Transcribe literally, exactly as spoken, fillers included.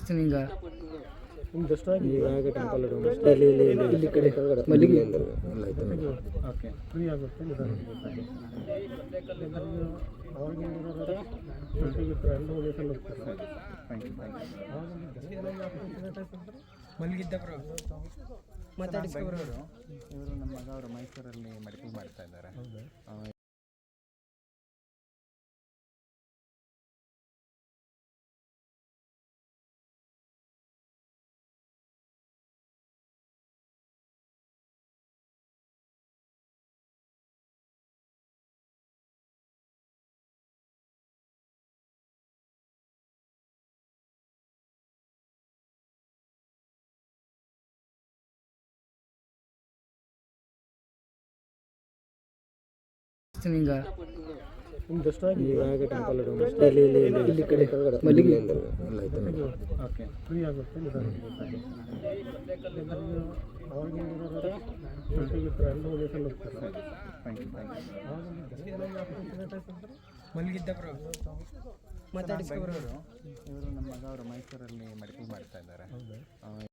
ಹಿಂಗ ಇವಾಗ ಟೆಂಪಲ್ ಇಲ್ಲಿ ಇಲ್ಲಿ ಇಲ್ಲಿ ಇಲ್ಲಿ ಕಡೆ ಮಲ್ಲಿಗೆ ಎಲ್ಲ ಆಯ್ತು ಓಕೆ ಫ್ರೀ ಆಗುತ್ತೆ ನಿಧಾನ ಅವ್ರಿಗೆ ಮಲ್ಲಿಗಿದ್ದ ಬ್ರೋ ಮಾತಾಡಿಸ್ಕೊಬ್ರು ಇವರು ನಮ್ಮ ಮಗ ಅವರು ಮೈಸೂರಲ್ಲಿ ಮೆಡಿಕಲ್ ಮಾಡ್ತಾ ಇದ್ದಾರೆ. ಹಿಂಗ ಇವಾಗ ಟೆಂಪಲ್ ಇಲ್ಲಿ ಇಲ್ಲಿ ಇಲ್ಲಿ ಇಲ್ಲಿ ಕಡೆ ಮಲ್ಲಿಗೆ ಎಲ್ಲ ಆಯ್ತು ಓಕೆ ಫ್ರೀ ಆಗುತ್ತೆ ನಿಧಾನ ಅವ್ರಿಗೆ ಮಲ್ಲಿಗಿದ್ದ ಬ್ರೋ ಮಾತಾಡಿಸ್ಕೊಬ್ರು ಇವರು ನಮ್ಮ ಮಗ ಅವರು ಮೈಸೂರಲ್ಲಿ ಮೆಡಿಕಲ್ ಮಾಡ್ತಾ ಇದ್ದಾರೆ.